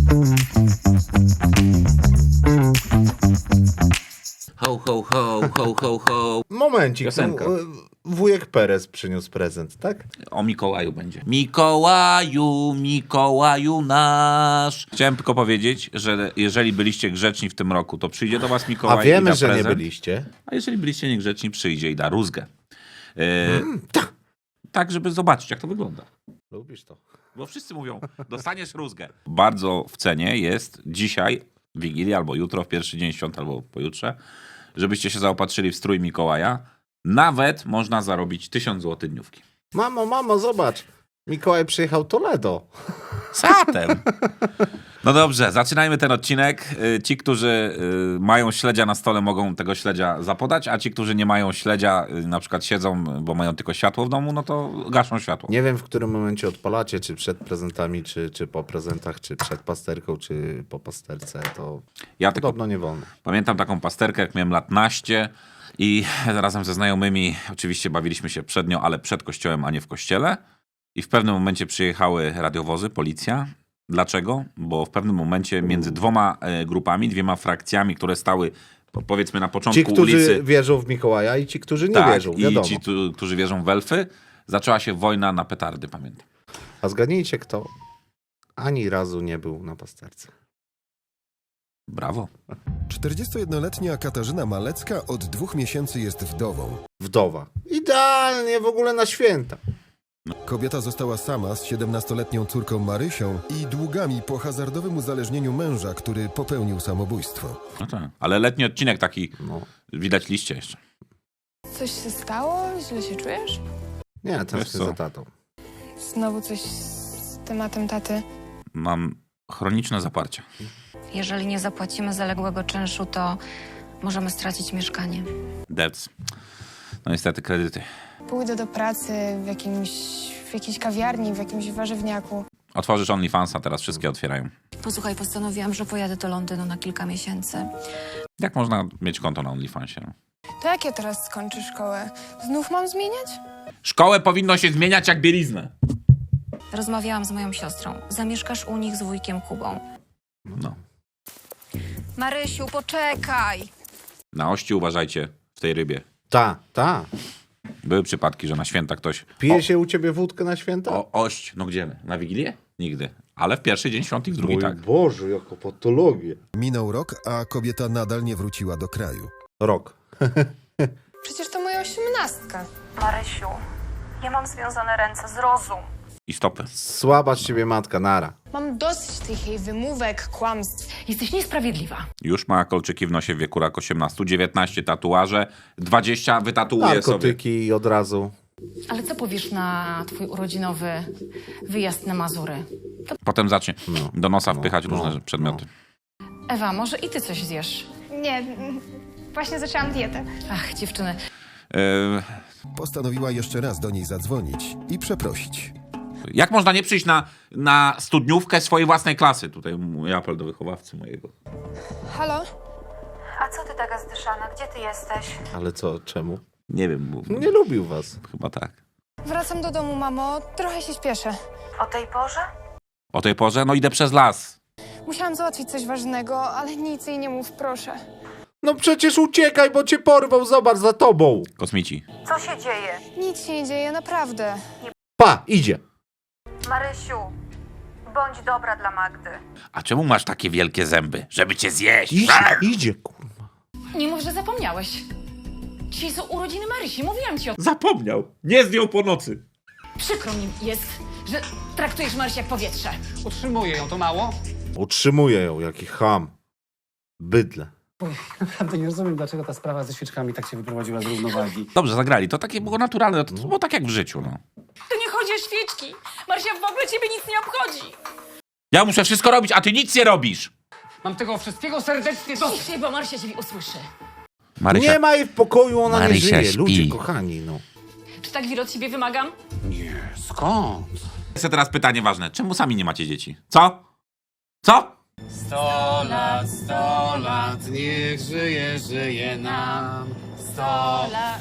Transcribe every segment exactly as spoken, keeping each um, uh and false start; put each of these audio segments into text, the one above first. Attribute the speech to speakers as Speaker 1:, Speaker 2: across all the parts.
Speaker 1: Ho, ho, ho, ho, ho, ho.
Speaker 2: Momencik,
Speaker 1: Piosenka.
Speaker 2: no, wujek Perez przyniósł prezent, tak?
Speaker 1: O Mikołaju będzie. Mikołaju, Mikołaju nasz. Chciałem tylko powiedzieć, że jeżeli byliście grzeczni w tym roku, to przyjdzie do was Mikołaj
Speaker 2: A
Speaker 1: i
Speaker 2: wiemy,
Speaker 1: da
Speaker 2: że nie
Speaker 1: prezent.
Speaker 2: byliście.
Speaker 1: A jeżeli byliście niegrzeczni, przyjdzie i da rózgę. Yy,
Speaker 2: Mm, tak.
Speaker 1: tak, żeby zobaczyć, jak to wygląda.
Speaker 2: Lubisz to.
Speaker 1: Bo wszyscy mówią, dostaniesz rózgę. Bardzo w cenie jest dzisiaj, Wigilię, albo jutro, w pierwszy dzień świąt, albo pojutrze, żebyście się zaopatrzyli w strój Mikołaja. Nawet można zarobić tysiąc złotych dniówki.
Speaker 2: Mamo, mamo, zobacz. Mikołaj przyjechał Toledo.
Speaker 1: Zatem. No dobrze, zaczynajmy ten odcinek. Y, Ci, którzy y, mają śledzia na stole, mogą tego śledzia zapodać, a ci, którzy nie mają śledzia, y, na przykład siedzą, bo mają tylko światło w domu, no to gaszą światło.
Speaker 2: Nie wiem, w którym momencie odpalacie, czy przed prezentami, czy, czy po prezentach, czy przed pasterką, czy po pasterce. To
Speaker 1: Ja tylko
Speaker 2: podobno nie wolno.
Speaker 1: pamiętam taką pasterkę, jak miałem lat naście i razem ze znajomymi oczywiście bawiliśmy się przed nią, ale przed kościołem, a nie w kościele. I w pewnym momencie przyjechały radiowozy, policja. Dlaczego? Bo w pewnym momencie między dwoma e, grupami, dwiema frakcjami, które stały po- powiedzmy na początku
Speaker 2: Ci, którzy
Speaker 1: ulicy.
Speaker 2: wierzą w Mikołaja i ci, którzy nie
Speaker 1: tak,
Speaker 2: wierzą,
Speaker 1: i
Speaker 2: wiadomo.
Speaker 1: ci, tu, którzy wierzą w elfy, zaczęła się wojna na petardy, pamiętam.
Speaker 2: A zgadnijcie kto ani razu nie był na pasterce.
Speaker 1: Brawo.
Speaker 3: czterdziestojednoletnia Katarzyna Malecka od dwóch miesięcy jest wdową.
Speaker 2: Wdowa. Idealnie w ogóle na święta.
Speaker 3: Kobieta została sama z siedemnastoletnią córką Marysią i długami po hazardowym uzależnieniu męża, który popełnił samobójstwo.
Speaker 1: No tak. Ale letni odcinek taki,
Speaker 2: No.
Speaker 1: widać liście jeszcze.
Speaker 4: Coś się stało? Źle się czujesz?
Speaker 2: Nie,
Speaker 1: Wiesz
Speaker 2: tęsknię
Speaker 1: co?
Speaker 2: za tatą.
Speaker 4: Znowu coś z tematem taty.
Speaker 1: Mam chroniczne zaparcia.
Speaker 5: Jeżeli nie zapłacimy zaległego czynszu, to możemy stracić mieszkanie.
Speaker 1: Debts. No niestety kredyty.
Speaker 4: Pójdę do pracy w jakimś, w jakiejś kawiarni, w jakimś warzywniaku.
Speaker 1: Otworzysz OnlyFansa, teraz wszystkie otwierają.
Speaker 5: Posłuchaj, postanowiłam, że pojadę do Londynu na kilka miesięcy.
Speaker 1: Jak można mieć konto na OnlyFansie? No?
Speaker 4: To jak ja teraz skończę szkołę? Znów mam zmieniać?
Speaker 1: Szkołę powinno się zmieniać jak bieliznę.
Speaker 5: Rozmawiałam z moją siostrą. Zamieszkasz u nich z wujkiem Kubą.
Speaker 1: No.
Speaker 5: Marysiu, poczekaj!
Speaker 1: Na ości uważajcie w tej rybie.
Speaker 2: Ta, ta.
Speaker 1: Były przypadki, że na święta ktoś...
Speaker 2: Pije się u ciebie wódkę na święta?
Speaker 1: O, ość, no gdzie? Na Wigilię? Nigdy. Ale w pierwszy dzień świąt i w drugi
Speaker 2: Mój
Speaker 1: tak.
Speaker 2: Boże, jaka patologia.
Speaker 3: Minął rok, a kobieta nadal nie wróciła do kraju.
Speaker 2: Rok.
Speaker 4: Przecież to moja osiemnastka.
Speaker 5: Marysiu, ja mam związane ręce, zrozum.
Speaker 1: I stopy.
Speaker 2: Słaba z ciebie matka, nara.
Speaker 4: Mam dosyć tych jej wymówek, kłamstw.
Speaker 5: Jesteś niesprawiedliwa.
Speaker 1: Już ma kolczyki w nosie w wieku rak osiemnaście, dziewiętnaście tatuaże, dwadzieścia wytatuuje sobie.
Speaker 2: Narkotyki i od razu.
Speaker 5: Ale co powiesz na twój urodzinowy wyjazd na Mazury?
Speaker 1: Potem zacznie
Speaker 2: No.
Speaker 1: do nosa
Speaker 2: No,
Speaker 1: wpychać
Speaker 2: no,
Speaker 1: różne przedmioty.
Speaker 5: Ewa, może i ty coś zjesz?
Speaker 4: Nie, właśnie zaczęłam dietę.
Speaker 5: Ach, dziewczyny.
Speaker 1: Yy,
Speaker 3: Postanowiła jeszcze raz do niej zadzwonić i przeprosić.
Speaker 1: jak można nie przyjść na, na studniówkę swojej własnej klasy? Tutaj mój apel do wychowawcy mojego.
Speaker 4: Halo?
Speaker 5: A co ty taka zdyszana? Gdzie ty jesteś?
Speaker 2: Ale co, czemu?
Speaker 1: Nie wiem, bo
Speaker 2: Nie lubił was.
Speaker 1: chyba tak.
Speaker 4: Wracam do domu, mamo. Trochę się śpieszę.
Speaker 5: O tej porze?
Speaker 1: O tej porze? No idę przez las.
Speaker 4: Musiałam załatwić coś ważnego, ale nic jej nie mów, proszę.
Speaker 2: No przecież uciekaj, bo cię porwał, zobacz, za tobą.
Speaker 1: Kosmici.
Speaker 5: Co się dzieje?
Speaker 4: Nic się nie dzieje, naprawdę.
Speaker 2: Pa, idzie.
Speaker 5: Marysiu, bądź dobra dla Magdy.
Speaker 1: A czemu masz takie wielkie zęby? Żeby cię zjeść.
Speaker 2: Idzie, idzie, kurwa.
Speaker 6: Nie mów, że zapomniałeś. Dzisiaj są urodziny Marysi, mówiłam ci o...
Speaker 1: Zapomniał. Nie zdjął po nocy.
Speaker 6: Przykro mi jest, że traktujesz Marysię jak powietrze.
Speaker 7: Utrzymuję ją, to mało?
Speaker 2: Utrzymuje ją, jaki ham. Bydle.
Speaker 7: Naprawdę nie rozumiem, dlaczego ta sprawa ze świeczkami tak się wyprowadziła z równowagi.
Speaker 1: Dobrze, zagrali. To takie było naturalne. To, to było tak jak w życiu, no.
Speaker 6: To nie chodzi o świeczki. Marysia w ogóle ciebie nic nie obchodzi.
Speaker 1: Ja muszę wszystko robić, a ty nic nie robisz.
Speaker 7: Mam tego wszystkiego serdecznie dosyć.
Speaker 6: Ciszej, bo Marysia ciebie usłyszy.
Speaker 1: Marysia,
Speaker 2: Nie ma jej w pokoju, ona
Speaker 1: Marysia
Speaker 2: nie żyje.
Speaker 1: śpi.
Speaker 2: Ludzie kochani, no.
Speaker 6: Czy tak wiele od ciebie wymagam?
Speaker 7: Nie, skąd?
Speaker 1: Jeszcze teraz pytanie ważne. Czemu sami nie macie dzieci? Co? Co?
Speaker 7: Sto lat, sto lat, niech żyje, żyje nam. Sto lat.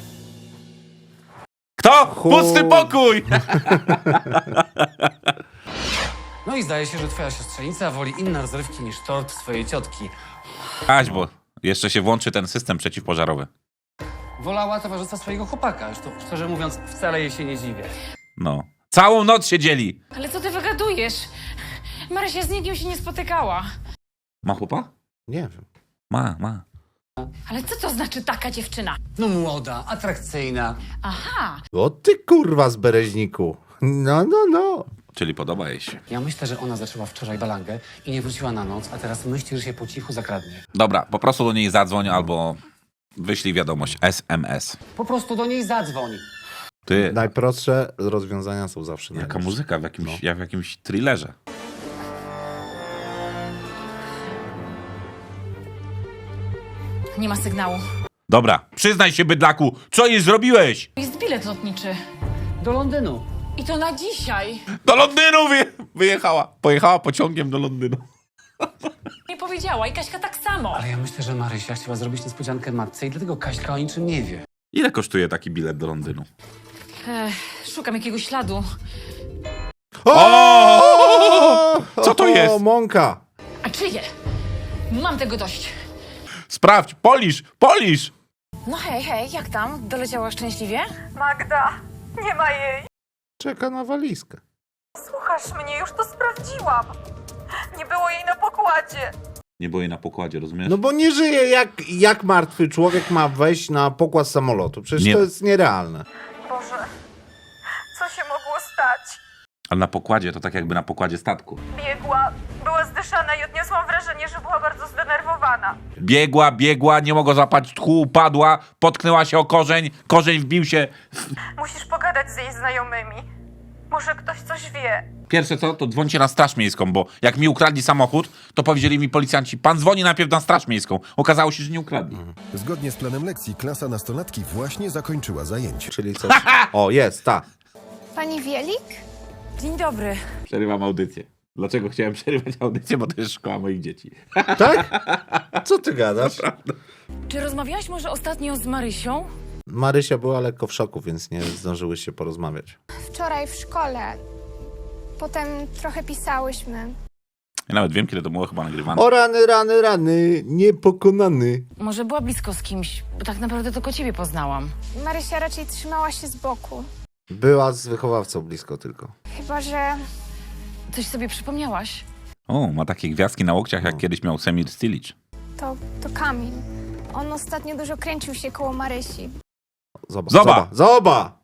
Speaker 1: Kto?
Speaker 2: Chu-
Speaker 1: Pusty pokój!
Speaker 7: No i zdaje się, że twoja siostrzenica woli inne rozrywki niż tort swojej ciotki.
Speaker 1: Aś, bo jeszcze się włączy ten system przeciwpożarowy.
Speaker 7: Wolała towarzystwa swojego chłopaka. Zresztą, szczerze mówiąc, wcale jej się nie dziwię.
Speaker 1: No. Całą noc siedzieli.
Speaker 6: Ale co ty wygadujesz? Marysia z nikim się nie spotykała.
Speaker 1: Ma chłopa?
Speaker 2: Nie wiem.
Speaker 1: Ma, ma.
Speaker 6: Ale co to znaczy taka dziewczyna?
Speaker 7: No młoda, atrakcyjna.
Speaker 6: Aha,
Speaker 2: O ty kurwa z Bereźniku. No, no, no.
Speaker 1: Czyli podoba jej się.
Speaker 7: Ja myślę, że ona zaczęła wczoraj balangę i nie wróciła na noc, a teraz myśli, że się po cichu zakradnie.
Speaker 1: Dobra, po prostu do niej zadzwoń albo wyślij wiadomość S M S.
Speaker 7: Po prostu do niej zadzwoń.
Speaker 1: Ty,
Speaker 2: Najprostsze rozwiązania są zawsze
Speaker 1: jaka
Speaker 2: najlepsze.
Speaker 1: muzyka w jakimś,
Speaker 2: No.
Speaker 1: jak w jakimś thrillerze.
Speaker 6: nie ma sygnału.
Speaker 1: Dobra, przyznaj się, bydlaku, co jej zrobiłeś?
Speaker 6: Jest bilet lotniczy.
Speaker 7: Do Londynu.
Speaker 6: I to na dzisiaj.
Speaker 1: Do Londynu wyje wyjechała. Pojechała pociągiem do Londynu.
Speaker 6: Nie powiedziała i Kaśka tak samo.
Speaker 7: Ale ja myślę, że Marysia chciała zrobić niespodziankę matce i dlatego Kaśka o niczym nie wie.
Speaker 1: Ile kosztuje taki bilet do Londynu?
Speaker 6: Ech, szukam jakiegoś śladu.
Speaker 1: O! Co to jest?
Speaker 2: O, mąka.
Speaker 6: A czyje? Mam tego dość.
Speaker 1: Sprawdź, polisz, polisz!
Speaker 6: No hej, hej, jak tam? Doleciała szczęśliwie?
Speaker 8: Magda, nie ma jej.
Speaker 2: Czeka na walizkę.
Speaker 8: Słuchasz mnie, już to sprawdziłam. Nie było jej na pokładzie.
Speaker 1: Nie było jej na pokładzie, rozumiesz?
Speaker 2: No bo nie żyje, jak, jak martwy człowiek ma wejść na pokład samolotu. Przecież
Speaker 1: Nie.
Speaker 2: to jest nierealne.
Speaker 8: Boże, co się mogło stać?
Speaker 1: Ale na pokładzie to tak jakby na pokładzie statku.
Speaker 8: Biegła, była zdyszana i odniosłam wrażenie, że była bardzo zdenerwowana.
Speaker 1: Biegła, biegła, nie mogła złapać tchu, upadła, potknęła się o korzeń, korzeń wbił się.
Speaker 8: Musisz pogadać z jej znajomymi. Może ktoś coś wie.
Speaker 1: Pierwsze co, to dzwońcie na straż miejską, bo jak mi ukradli samochód, to powiedzieli mi policjanci, pan dzwoni najpierw na straż miejską. Okazało się, że nie ukradli.
Speaker 3: Zgodnie z planem lekcji, klasa nastolatki właśnie zakończyła zajęcie.
Speaker 2: Czyli coś... O, jest, ta.
Speaker 4: Pani Wielik?
Speaker 6: Dzień dobry.
Speaker 1: Przerywam audycję. Dlaczego chciałem przerywać audycję? Bo to jest szkoła moich dzieci.
Speaker 2: Tak? Co ty gadasz?
Speaker 6: Czy rozmawiałaś może ostatnio z Marysią?
Speaker 2: Marysia była lekko w szoku, więc nie zdążyły się porozmawiać.
Speaker 4: Wczoraj w szkole. Potem trochę pisałyśmy.
Speaker 1: Ja nawet wiem, kiedy to było chyba nagrywane.
Speaker 2: O rany, rany, rany, niepokonany.
Speaker 6: Może była blisko z kimś, bo tak naprawdę tylko ciebie poznałam.
Speaker 4: Marysia raczej trzymała się z boku.
Speaker 2: Była z wychowawcą blisko tylko.
Speaker 4: Chyba, że
Speaker 6: Coś sobie przypomniałaś?
Speaker 1: O, ma takie gwiazdki na łokciach, jak kiedyś miał Semir Stilic.
Speaker 4: to, to Kamil. On ostatnio dużo kręcił się koło Marysi.
Speaker 2: Zoba.
Speaker 1: Zoba.
Speaker 2: Zoba. Zoba.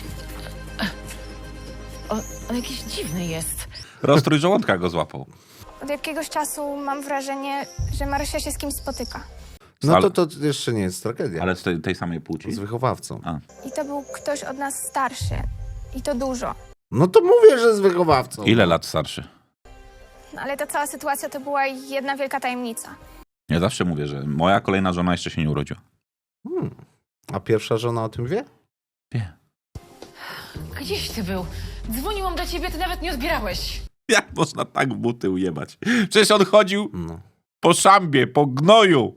Speaker 6: On, on jakiś dziwny jest.
Speaker 1: Roztrój żołądka go złapał.
Speaker 4: Od jakiegoś czasu mam wrażenie, że Marysia się z kimś spotyka.
Speaker 2: No
Speaker 1: Ale-
Speaker 2: to, to jeszcze nie jest tragedia.
Speaker 1: Ale z tej, tej samej płci.
Speaker 2: Z wychowawcą.
Speaker 1: A.
Speaker 4: I to był ktoś od nas starszy. I to dużo.
Speaker 2: No to mówię, że z wychowawcą.
Speaker 1: Ile lat starszy?
Speaker 4: No, ale ta cała sytuacja to była jedna wielka tajemnica.
Speaker 1: Ja zawsze mówię, że moja kolejna żona jeszcze się nie urodziła.
Speaker 2: Hmm. A pierwsza żona o tym wie?
Speaker 1: Wie.
Speaker 6: Gdzieś ty był? Dzwoniłam do ciebie, ty nawet nie odbierałeś.
Speaker 1: Jak można tak w buty ujebać? Przecież on chodził
Speaker 2: No.
Speaker 1: po szambie, po gnoju.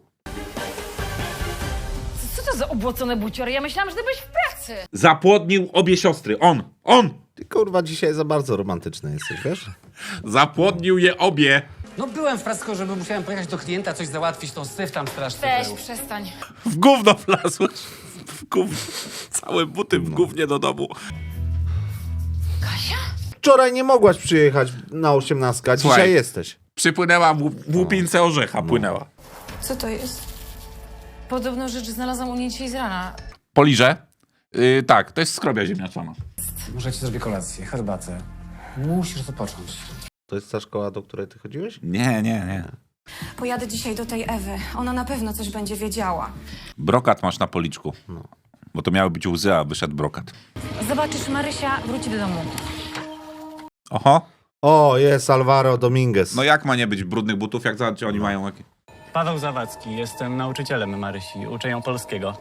Speaker 6: Co to za obłocone buciory? Ja myślałam, że ty byłeś w pracy.
Speaker 1: Zapłodnił obie siostry. On, on!
Speaker 2: Ty kurwa dzisiaj za bardzo romantyczny jesteś, wiesz?
Speaker 1: Zapłodnił je obie.
Speaker 7: No byłem w pracy, tylko żeby musiałem pojechać do klienta, coś załatwić, tą syf tam strasznie
Speaker 6: Weź,
Speaker 7: był.
Speaker 6: przestań.
Speaker 1: W gówno wlazłeś. W gówno. Całe buty w gównie do domu.
Speaker 6: Kasia?
Speaker 2: Wczoraj nie mogłaś przyjechać na osiemnastkę, a
Speaker 1: Słuchaj.
Speaker 2: dzisiaj jesteś.
Speaker 1: Przypłynęła w, w łupince orzecha, płynęła.
Speaker 4: Co to jest?
Speaker 6: Podobno rzecz znalazłam u niej dzisiaj z rana.
Speaker 1: Poliże? Yy, tak, to jest skrobia ziemniaczana.
Speaker 7: Może ci zrobię kolację, herbatę. Musisz to począć.
Speaker 2: To jest ta szkoła, do której ty chodziłeś?
Speaker 1: Nie, nie, nie.
Speaker 8: Pojadę dzisiaj do tej Ewy. Ona na pewno coś będzie wiedziała.
Speaker 1: Brokat masz na policzku. Bo to miały być łzy, a wyszedł brokat.
Speaker 6: Zobaczysz, Marysia wróci do domu.
Speaker 1: Oho.
Speaker 2: O, jest Alvaro Dominguez.
Speaker 1: No jak ma nie być brudnych butów, jak za, oni mają jakie...
Speaker 9: Paweł Zawadzki, jestem nauczycielem Marysi, uczę ją polskiego.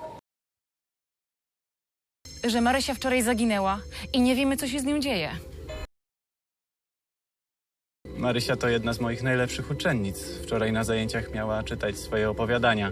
Speaker 6: Że Marysia wczoraj zaginęła i nie wiemy, co się z nią dzieje.
Speaker 9: Marysia to jedna z moich najlepszych uczennic. Wczoraj na zajęciach miała czytać swoje opowiadania.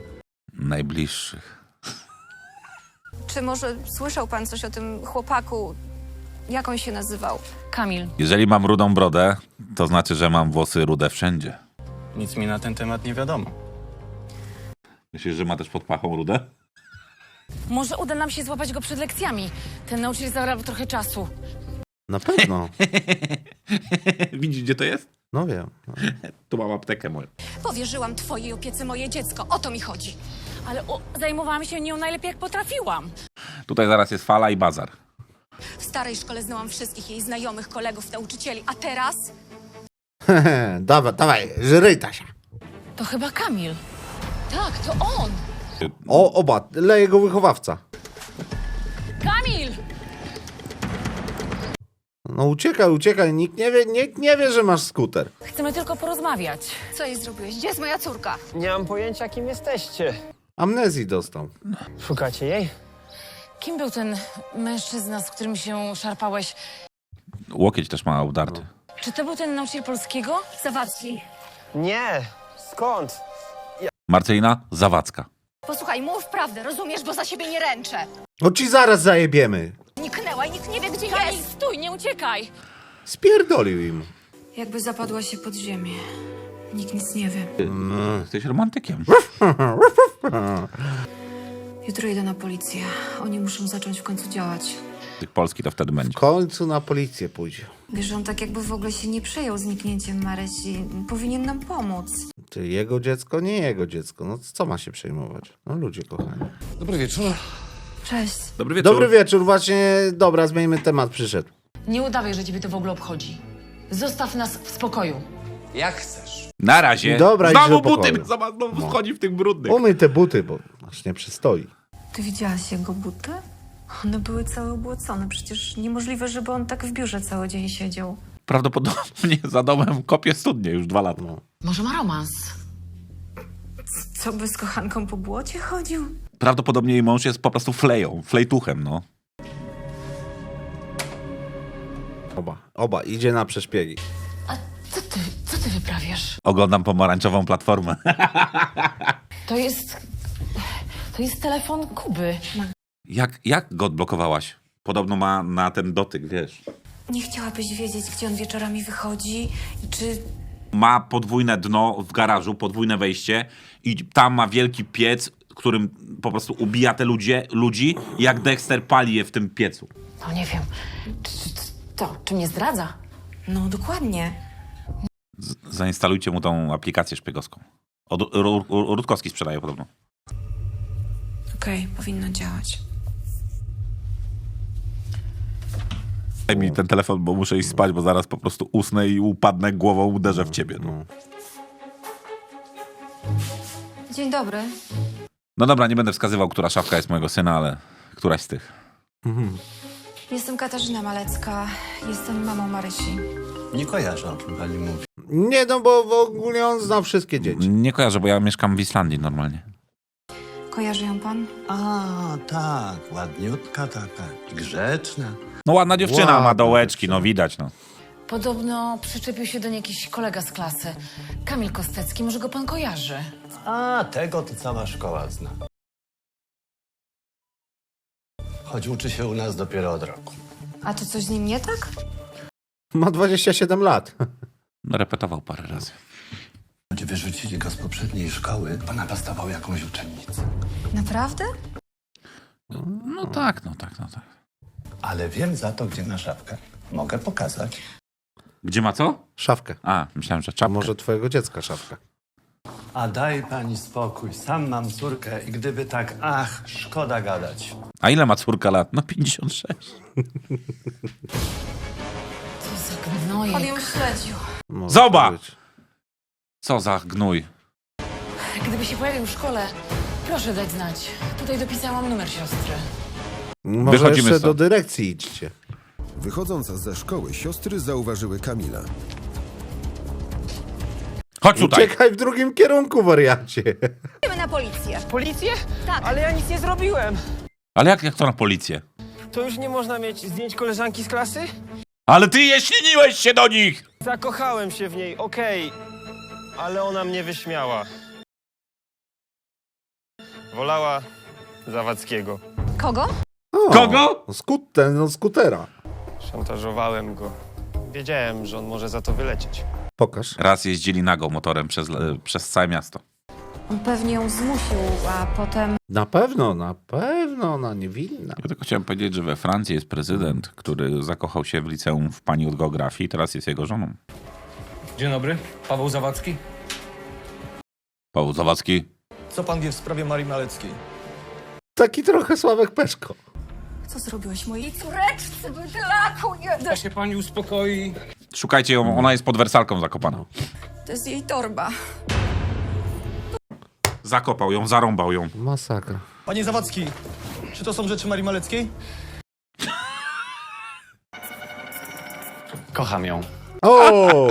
Speaker 1: Najbliższych.
Speaker 8: Czy może słyszał pan coś o tym chłopaku
Speaker 5: Jak on się nazywał?
Speaker 6: Kamil.
Speaker 1: Jeżeli mam rudą brodę, to znaczy, że mam włosy rude wszędzie.
Speaker 9: Nic mi na ten temat nie wiadomo.
Speaker 1: Myślisz, że ma też pod pachą rudę?
Speaker 6: Może uda nam się złapać go przed lekcjami. Ten nauczyciel zabrał trochę czasu.
Speaker 2: Na pewno.
Speaker 1: Widzisz, gdzie to jest?
Speaker 2: No wiem.
Speaker 1: Tu mam aptekę moją.
Speaker 5: Powierzyłam twojej opiece moje dziecko. O to mi chodzi.
Speaker 6: Ale o, zajmowałam się nią najlepiej jak potrafiłam.
Speaker 1: Tutaj zaraz jest fala i bazar.
Speaker 5: W starej szkole znałam wszystkich jej znajomych, kolegów, nauczycieli. A teraz?
Speaker 2: dawaj, dawaj, żryj Tasia.
Speaker 6: To chyba Kamil.
Speaker 5: Tak, to on.
Speaker 2: O, oba, leje go wychowawca.
Speaker 6: Kamil!
Speaker 2: No uciekaj, uciekaj, nikt nie wie, nikt nie wie, że masz skuter.
Speaker 6: Chcemy tylko porozmawiać.
Speaker 5: Co jej zrobiłeś? Gdzie jest moja córka?
Speaker 10: Nie mam pojęcia, kim jesteście.
Speaker 2: Amnezji dostał.
Speaker 10: Szukacie jej?
Speaker 6: Kim był ten mężczyzna, z którym się szarpałeś?
Speaker 1: Łokieć też ma obdarty.
Speaker 6: Czy to był ten nauczyciel polskiego?
Speaker 5: Zawadzki.
Speaker 10: Nie. Skąd?
Speaker 1: Marcelina Zawadzka.
Speaker 5: Posłuchaj, mów prawdę, rozumiesz, bo za siebie nie ręczę.
Speaker 2: No ci zaraz zajebiemy.
Speaker 5: Niknęła i nikt nie wie, gdzie
Speaker 6: Kamil,
Speaker 5: jest.
Speaker 6: stój, nie uciekaj!
Speaker 2: Spierdolił im.
Speaker 5: Jakby zapadła się pod ziemię. Nikt nic nie wie.
Speaker 1: Jesteś romantykiem.
Speaker 5: Jutro idę na policję. Oni muszą zacząć w końcu działać.
Speaker 1: Tych Polski to wtedy
Speaker 2: W
Speaker 1: będzie.
Speaker 2: końcu na policję pójdzie.
Speaker 5: Wiesz, on tak jakby w ogóle się nie przejął zniknięciem Marysi. Powinien nam pomóc.
Speaker 2: Ty, jego dziecko, nie jego dziecko. No co ma się przejmować? No ludzie kochani.
Speaker 7: Dobry wieczór.
Speaker 5: Cześć.
Speaker 1: Dobry wieczór.
Speaker 2: Dobry wieczór, właśnie, dobra, zmieńmy temat, przyszedł.
Speaker 6: Nie udawaj, że ciebie to w ogóle obchodzi. Zostaw nas w spokoju.
Speaker 7: Jak chcesz.
Speaker 1: Na razie.
Speaker 2: Dobra, idź
Speaker 1: znowu
Speaker 2: do pokoju.
Speaker 1: buty. Zobacz, znowu
Speaker 2: No.
Speaker 1: wchodzi w tych brudnych.
Speaker 2: Umyj te buty, bo aż nie przystoi.
Speaker 5: Ty widziałaś jego buty? One były całe ubłocone. Przecież niemożliwe, żeby on tak w biurze cały dzień siedział.
Speaker 1: Prawdopodobnie za domem kopie studnie już dwa lata.
Speaker 2: No.
Speaker 6: Może ma romans?
Speaker 5: Co by z kochanką po błocie chodził?
Speaker 1: Prawdopodobnie jej mąż jest po prostu fleją, flejtuchem, no.
Speaker 2: Oba, oba, idzie na przeszpiegi.
Speaker 6: A co ty, co ty wyprawiasz?
Speaker 1: Oglądam pomarańczową platformę.
Speaker 6: To jest... To jest telefon Kuby.
Speaker 1: Jak, jak go odblokowałaś? Podobno ma na ten dotyk, wiesz.
Speaker 5: Nie chciałabyś wiedzieć, gdzie on wieczorami wychodzi? I czy...
Speaker 1: Ma podwójne dno w garażu, podwójne wejście i tam ma wielki piec, którym po prostu ubija te ludzie, ludzi, jak Dexter pali je w tym piecu.
Speaker 6: No nie wiem. Czy, czy, czy, to, czy mnie zdradza?
Speaker 5: No, dokładnie.
Speaker 1: Z zainstalujcie mu tą aplikację szpiegowską. Od, Ru- Ru- Rutkowski sprzedaje podobno.
Speaker 5: Okej, powinno działać.
Speaker 1: Daj mi ten telefon, bo muszę iść spać, bo zaraz po prostu usnę i upadnę głową, uderzę w ciebie. No,
Speaker 2: No.
Speaker 5: Dzień dobry.
Speaker 1: no dobra, nie będę wskazywał, która szafka jest mojego syna, ale któraś z tych.
Speaker 2: Mhm.
Speaker 5: Jestem Katarzyna Malecka. Jestem mamą Marysi.
Speaker 7: Nie kojarzę, o czym pani mówi.
Speaker 2: Nie, no bo w ogóle on zna wszystkie dzieci.
Speaker 1: Nie kojarzę, bo ja mieszkam w Islandii normalnie.
Speaker 5: Kojarzy ją pan?
Speaker 7: A, tak, ładniutka taka, grzeczna.
Speaker 1: No ładna dziewczyna,
Speaker 2: Ładna
Speaker 1: ma dołeczki,
Speaker 2: dziewczyna.
Speaker 1: no widać, no.
Speaker 6: Podobno przyczepił się do niej jakiś kolega z klasy. Kamil Kostecki, może go pan kojarzy?
Speaker 7: A, tego to cała szkoła zna. Choć uczy się u nas dopiero od roku.
Speaker 5: A to coś z nim nie tak?
Speaker 2: Ma dwadzieścia siedem lat.
Speaker 1: No, repetował parę razy.
Speaker 7: Choć wyrzucili go z poprzedniej szkoły, bo napastował jakąś uczennicę.
Speaker 5: Naprawdę?
Speaker 1: No tak, no tak, no tak.
Speaker 7: Ale wiem za to, gdzie ma szafkę. Mogę pokazać.
Speaker 1: Gdzie ma co?
Speaker 2: Szafkę.
Speaker 1: A, myślałem, że
Speaker 2: A
Speaker 1: czapkę.
Speaker 2: może twojego dziecka szafka.
Speaker 7: A daj pani spokój, sam mam córkę i gdyby tak, ach, szkoda gadać.
Speaker 1: A ile ma córka lat? No pięćdziesiąt sześć.
Speaker 6: Co za gnojek.
Speaker 5: On ją śledził.
Speaker 2: Może
Speaker 1: Zobacz!
Speaker 2: tak być.
Speaker 1: Co za gnój.
Speaker 6: Gdyby się pojawił w szkole, proszę dać znać. Tutaj dopisałam numer siostry.
Speaker 2: Może
Speaker 1: Wychodzimy
Speaker 2: jeszcze
Speaker 1: stąd.
Speaker 2: do dyrekcji idźcie.
Speaker 3: Wychodząc ze szkoły, siostry zauważyły Kamila.
Speaker 1: Chodź tutaj.
Speaker 2: Uciekaj w drugim kierunku, wariacie.
Speaker 5: Idziemy na policję.
Speaker 10: Policję?
Speaker 5: Tak.
Speaker 10: Ale ja nic nie zrobiłem.
Speaker 1: Ale jak, jak to na policję?
Speaker 10: To już nie można mieć zdjęć koleżanki z klasy?
Speaker 1: Ale ty je śliniłeś się do nich!
Speaker 10: Zakochałem się w niej, okej. Ale ona mnie wyśmiała. Wolała Zawadzkiego.
Speaker 5: Kogo?
Speaker 2: O,
Speaker 1: Kogo?
Speaker 2: Skut, ten, no skutera.
Speaker 10: Szantażowałem go. Wiedziałem, że on może za to wylecieć.
Speaker 2: Pokaż.
Speaker 1: Raz jeździli nago motorem przez, e, przez całe miasto.
Speaker 5: On pewnie ją zmusił, a potem...
Speaker 2: Na pewno, na pewno, ona niewinna.
Speaker 1: Ja tylko chciałem powiedzieć, że we Francji jest prezydent, który zakochał się w liceum w pani od geografii i teraz jest jego żoną.
Speaker 11: Dzień dobry, Paweł Zawadzki.
Speaker 1: Paweł Zawadzki.
Speaker 11: Co pan wie w sprawie Marii Maleckiej?
Speaker 2: Taki trochę Sławek Peszko.
Speaker 5: Co zrobiłeś mojej córeczce? Bydlaku jeden!
Speaker 11: Ja się pani uspokoi.
Speaker 1: Szukajcie ją, ona jest pod wersalką zakopana.
Speaker 5: To jest jej torba.
Speaker 1: Zakopał ją, zarąbał ją.
Speaker 2: Masakra.
Speaker 11: Panie Zawadzki, czy to są rzeczy Marii Maleckiej?
Speaker 9: Kocham ją.
Speaker 2: O!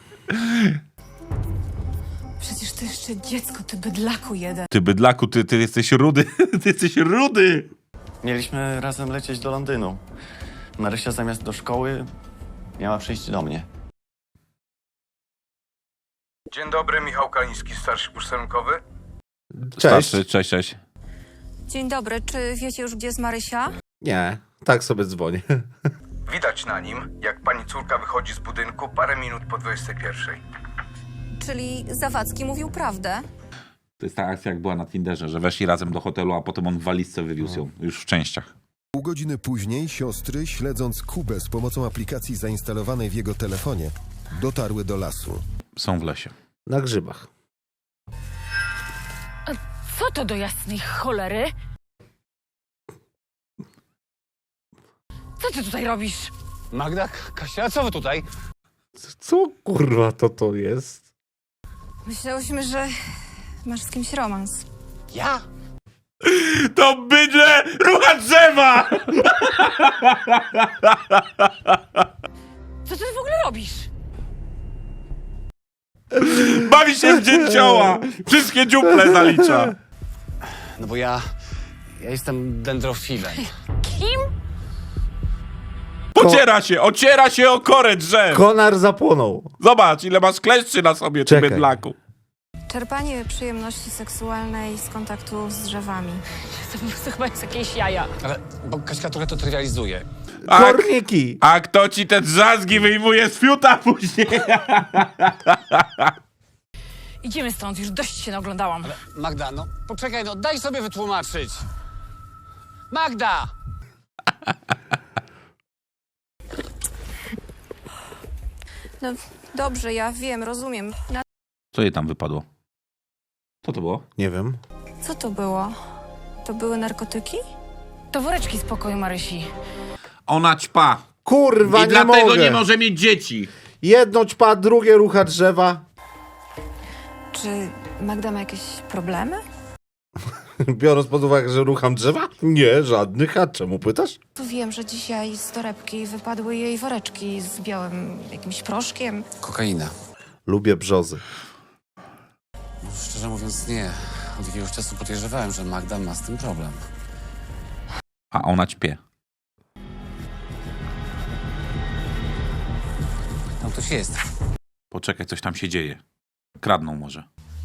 Speaker 5: Przecież to jeszcze dziecko, ty bydlaku jeden.
Speaker 1: Ty bydlaku, ty, ty jesteś rudy. Ty jesteś rudy.
Speaker 9: Mieliśmy razem lecieć do Londynu. Marysia zamiast do szkoły miała przyjść do mnie.
Speaker 12: Dzień dobry, Michał Kaliński, starszy posterunkowy.
Speaker 2: Cześć.
Speaker 1: Starszy, cześć, cześć.
Speaker 5: Dzień dobry, czy wiecie już, gdzie jest Marysia?
Speaker 2: Nie, tak sobie dzwonię.
Speaker 12: Widać na nim, jak pani córka wychodzi z budynku parę minut po dwudziestej pierwszej.
Speaker 5: Czyli Zawadzki mówił prawdę?
Speaker 1: To jest ta akcja, jak była na Tinderze, że weszli razem do hotelu, a potem on w walizce wywiózł ją, już w częściach.
Speaker 3: Pół godziny później siostry, śledząc Kubę z pomocą aplikacji zainstalowanej w jego telefonie, dotarły do lasu.
Speaker 1: Są w lesie.
Speaker 2: Na grzybach.
Speaker 6: Co to do jasnej cholery? Co ty tutaj robisz?
Speaker 7: Magda, Kasia, co wy tutaj?
Speaker 2: Co kurwa to to jest?
Speaker 4: Myślałyśmy, że masz z kimś romans.
Speaker 7: Ja?
Speaker 1: To bydle rucha drzewa!
Speaker 6: Co ty w ogóle robisz?
Speaker 1: Bawi się w dzięcioła! Wszystkie dziuple zalicza.
Speaker 7: No bo ja... Ja jestem dendrofilem.
Speaker 6: Kim?
Speaker 1: Pociera się, ociera się o korę drzew.
Speaker 2: Konar zapłonął.
Speaker 1: Zobacz, ile masz kleszczy na sobie, ty
Speaker 2: Czekaj.
Speaker 1: bydlaku.
Speaker 4: Czerpanie przyjemności seksualnej z kontaktu z drzewami.
Speaker 6: To po prostu chyba jest jakieś jaja.
Speaker 7: Ale, bo Kaśka trochę to trywializuje.
Speaker 1: A,
Speaker 2: Korniki.
Speaker 1: a kto ci te drzazgi wyjmuje z fiuta później?
Speaker 6: Idziemy stąd, już dość się naoglądałam.
Speaker 7: Magda, no poczekaj, no daj sobie wytłumaczyć. Magda!
Speaker 4: No dobrze, ja wiem, rozumiem. Na...
Speaker 1: Co jej tam wypadło? Co to było?
Speaker 2: Nie wiem.
Speaker 4: Co to było? To były narkotyki?
Speaker 6: To woreczki z pokoju Marysi.
Speaker 1: Ona ćpa.
Speaker 2: Kurwa,
Speaker 1: I
Speaker 2: nie
Speaker 1: dlatego
Speaker 2: mogę.
Speaker 1: nie może mieć dzieci.
Speaker 2: Jedno ćpa, drugie rucha drzewa.
Speaker 4: Czy Magda ma jakieś problemy?
Speaker 2: Biorąc pod uwagę, że rucham drzewa? Nie, żadnych. A czemu pytasz?
Speaker 4: Tu wiem, że dzisiaj z torebki wypadły jej woreczki z białym jakimś proszkiem.
Speaker 7: Kokaina.
Speaker 2: Lubię brzozy.
Speaker 7: No, szczerze mówiąc nie. Od jakiegoś czasu podejrzewałem, że Magda ma z tym problem.
Speaker 1: A ona ćpie.
Speaker 7: Tam ktoś jest.
Speaker 1: Poczekaj, coś tam się dzieje. Kradną może.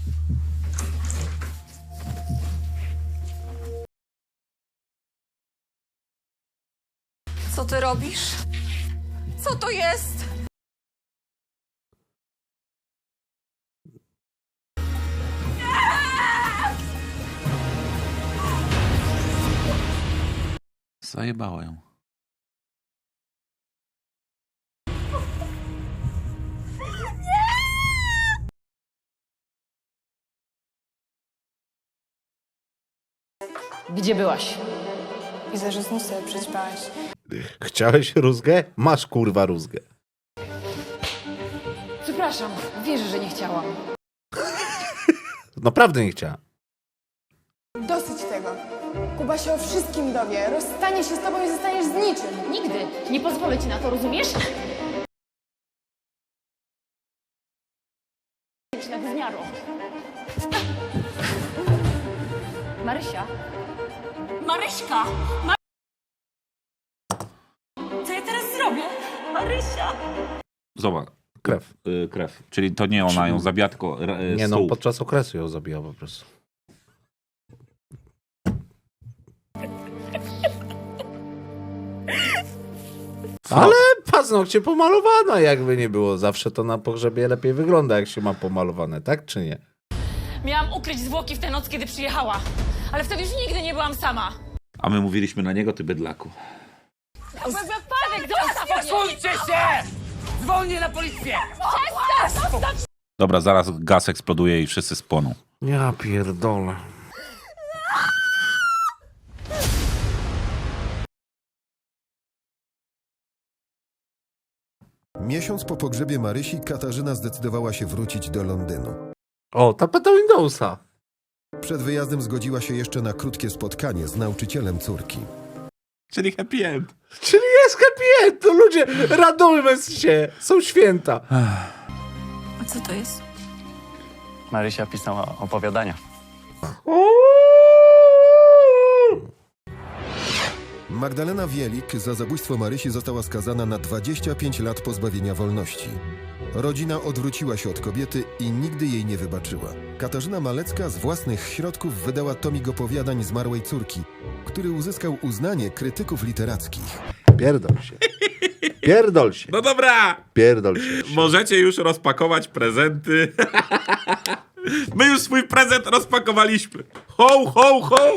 Speaker 5: Co ty robisz? Co to jest?
Speaker 1: Zajebała ją.
Speaker 6: Gdzie byłaś?
Speaker 4: Widzę, że znów sobie przećpałaś.
Speaker 2: Chciałeś rózgę? Masz kurwa rózgę.
Speaker 6: Przepraszam, wierzę, że nie chciałam.
Speaker 2: Naprawdę nie chciałem.
Speaker 4: Dosyć tego. Kuba się o wszystkim dowie. Rozstanie się z tobą i zostaniesz z niczym.
Speaker 6: Nigdy. Nie pozwolę ci na to, rozumiesz? Na gówniaro. Marysia. Maryśka! Ma... Co ja teraz zrobię? Marysia!
Speaker 1: Zobacz.
Speaker 2: Krew.
Speaker 1: Y, krew. Czyli to nie ona ją zabija, tylko y,
Speaker 2: Nie no,
Speaker 1: stół.
Speaker 2: podczas okresu ją zabijał po prostu. Ale paznokcie pomalowane, jakby nie było. Zawsze to na pogrzebie lepiej wygląda, jak się ma pomalowane, tak czy nie?
Speaker 6: Miałam ukryć zwłoki w tę noc, kiedy przyjechała. Ale wtedy już nigdy nie byłam sama.
Speaker 1: A my mówiliśmy na niego, ty bydlaku.
Speaker 6: Wypadek,
Speaker 7: Posłuchajcie się! Dzwonię na policję!
Speaker 1: Dobra, zaraz gaz eksploduje i wszyscy spłoną.
Speaker 2: Ja pierdolę.
Speaker 3: Miesiąc po pogrzebie Marysi Katarzyna zdecydowała się wrócić do Londynu.
Speaker 2: O, tapeta Windowsa.
Speaker 3: Przed wyjazdem zgodziła się jeszcze na krótkie spotkanie z nauczycielem córki.
Speaker 1: Czyli happy end.
Speaker 2: Czyli jest happy end, to ludzie, radujmy się, są święta.
Speaker 5: A co to jest?
Speaker 9: Marysia pisała opowiadania.
Speaker 3: Magdalena Wielik za zabójstwo Marysi została skazana na dwadzieścia pięć lat pozbawienia wolności. Rodzina odwróciła się od kobiety i nigdy jej nie wybaczyła. Katarzyna Malecka z własnych środków wydała tomik opowiadań zmarłej córki, który uzyskał uznanie krytyków literackich.
Speaker 2: Pierdol się. Pierdol się.
Speaker 1: No dobra!
Speaker 2: Pierdol się.
Speaker 1: Możecie już rozpakować prezenty. My już swój prezent rozpakowaliśmy. Ho, ho, ho!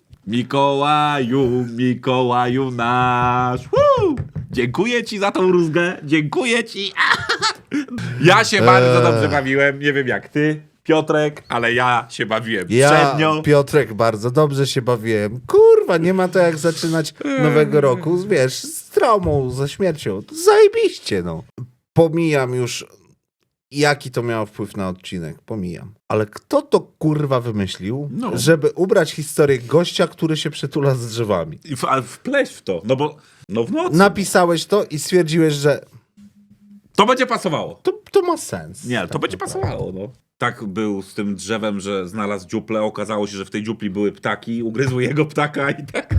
Speaker 1: Mikołaju, Mikołaju nasz. Woo! Dziękuję ci za tą rózgę. Dziękuję ci. Ja się bardzo
Speaker 2: Eee.
Speaker 1: dobrze bawiłem. Nie wiem jak ty, Piotrek, ale ja się bawiłem
Speaker 2: Ja,
Speaker 1: przednio.
Speaker 2: Piotrek, bardzo dobrze się bawiłem. Kurwa, nie ma to jak zaczynać nowego roku, wiesz, z traumą, ze śmiercią. To zajebiście, no. Pomijam już, jaki to miało wpływ na odcinek. Pomijam. Ale kto to kurwa wymyślił,
Speaker 1: No.
Speaker 2: żeby ubrać historię gościa, który się przytula z drzewami?
Speaker 1: I w- Ale wpleś w to, no bo no w nocy.
Speaker 2: Napisałeś to i stwierdziłeś, że
Speaker 1: To będzie pasowało.
Speaker 2: to, to ma sens.
Speaker 1: Nie, to
Speaker 2: Tak
Speaker 1: będzie
Speaker 2: naprawdę.
Speaker 1: pasowało, no. Tak był z tym drzewem, że znalazł dziuplę, okazało się, że w tej dziupli były ptaki, ugryzły jego ptaka i tak.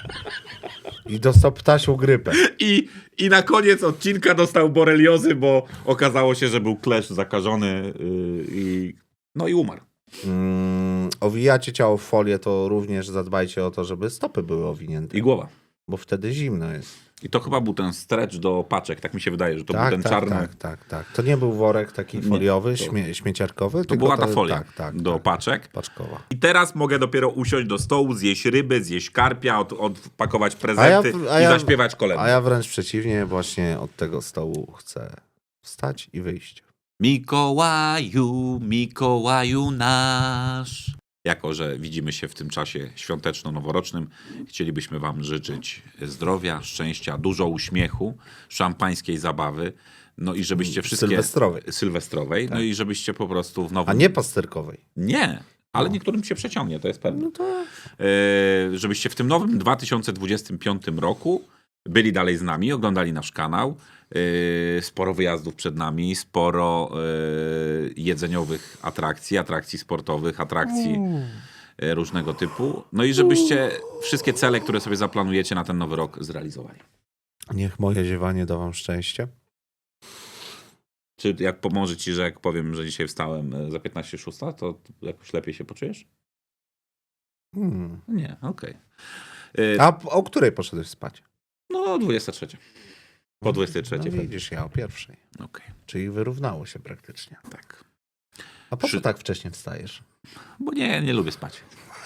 Speaker 2: I dostał ptasią grypę.
Speaker 1: I, I na koniec odcinka dostał boreliozy, bo okazało się, że był klesz zakażony yy, i no i umarł.
Speaker 2: Mm, owijacie ciało w folię, to również zadbajcie o to, żeby stopy były owinięte.
Speaker 1: I głowa.
Speaker 2: Bo wtedy zimno jest.
Speaker 1: I to chyba był ten stretch do paczek, tak mi się wydaje, że to
Speaker 2: tak,
Speaker 1: był ten
Speaker 2: tak,
Speaker 1: czarny.
Speaker 2: tak, tak, tak. To nie był worek taki
Speaker 1: Nie,
Speaker 2: foliowy,
Speaker 1: to-
Speaker 2: śmie śmieciarkowy,
Speaker 1: To
Speaker 2: tylko
Speaker 1: była ta folia
Speaker 2: Tak, tak,
Speaker 1: do
Speaker 2: tak.
Speaker 1: paczek.
Speaker 2: Paczkowa.
Speaker 1: I teraz mogę dopiero usiąść do stołu, zjeść ryby, zjeść karpia, od, odpakować prezenty
Speaker 2: A ja- a
Speaker 1: i
Speaker 2: ja-
Speaker 1: zaśpiewać kolędy.
Speaker 2: A ja wręcz przeciwnie, właśnie od tego stołu chcę wstać i wyjść.
Speaker 1: Mikołaju, Mikołaju nasz. Jako że widzimy się w tym czasie świąteczno-noworocznym, chcielibyśmy wam życzyć zdrowia, szczęścia, dużo uśmiechu, szampańskiej zabawy, no i żebyście wszystkie...
Speaker 2: Sylwestrowej.
Speaker 1: Sylwestrowej, no i żebyście po prostu w nowym...
Speaker 2: A nie pasterkowej.
Speaker 1: Nie, ale
Speaker 2: No.
Speaker 1: niektórym się przeciągnie, to jest pewne.
Speaker 2: No to...
Speaker 1: E, żebyście w tym nowym dwa tysiące dwudziestym piątym roku byli dalej z nami, oglądali nasz kanał. E, sporo wyjazdów przed nami, sporo e, jedzeniowych atrakcji, atrakcji sportowych, atrakcji e, różnego typu. No i żebyście wszystkie cele, które sobie zaplanujecie na ten nowy rok, zrealizowali.
Speaker 2: Niech moje ziewanie da wam szczęście.
Speaker 1: Czy jak pomoże ci, że jak powiem, że dzisiaj wstałem e, za piętnaście szósta, to jakoś lepiej się poczujesz?
Speaker 2: Hmm.
Speaker 1: Nie, okej. E,
Speaker 2: A o której poszedłeś spać?
Speaker 1: No, dwudziesta trzecia. Po dwudziestej trzeciej.
Speaker 2: No widzisz, ja o pierwszej.
Speaker 1: Okej,
Speaker 2: Czyli wyrównało się praktycznie.
Speaker 1: tak.
Speaker 2: A po co
Speaker 1: Przy-
Speaker 2: tak wcześnie wstajesz?
Speaker 1: Bo nie, nie lubię spać.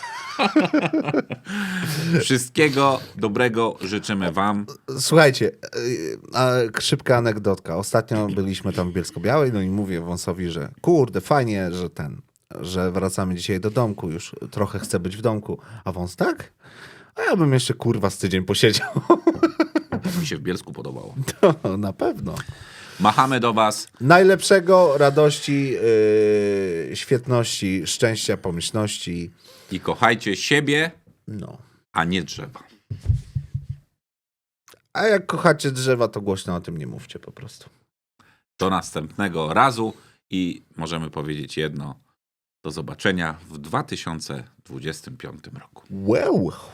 Speaker 1: Wszystkiego dobrego życzymy wam.
Speaker 2: Słuchajcie, yy, a, szybka anegdotka. Ostatnio byliśmy tam w Bielsko-Białej, no i mówię Wąsowi, że kurde, fajnie, że ten, że wracamy dzisiaj do domku, już trochę chcę być w domku. A Wąs tak? A ja bym jeszcze kurwa z tydzień posiedział.
Speaker 1: Mi się w Bielsku podobało.
Speaker 2: To na pewno.
Speaker 1: Machamy do was.
Speaker 2: Najlepszego, radości, yy, świetności, szczęścia, pomyślności.
Speaker 1: I kochajcie siebie,
Speaker 2: No.
Speaker 1: a nie drzewa.
Speaker 2: A jak kochacie drzewa, to głośno o tym nie mówcie po prostu.
Speaker 1: Do następnego razu i możemy powiedzieć jedno. Do zobaczenia w dwa tysiące dwudziestym piątym roku.
Speaker 2: Wow.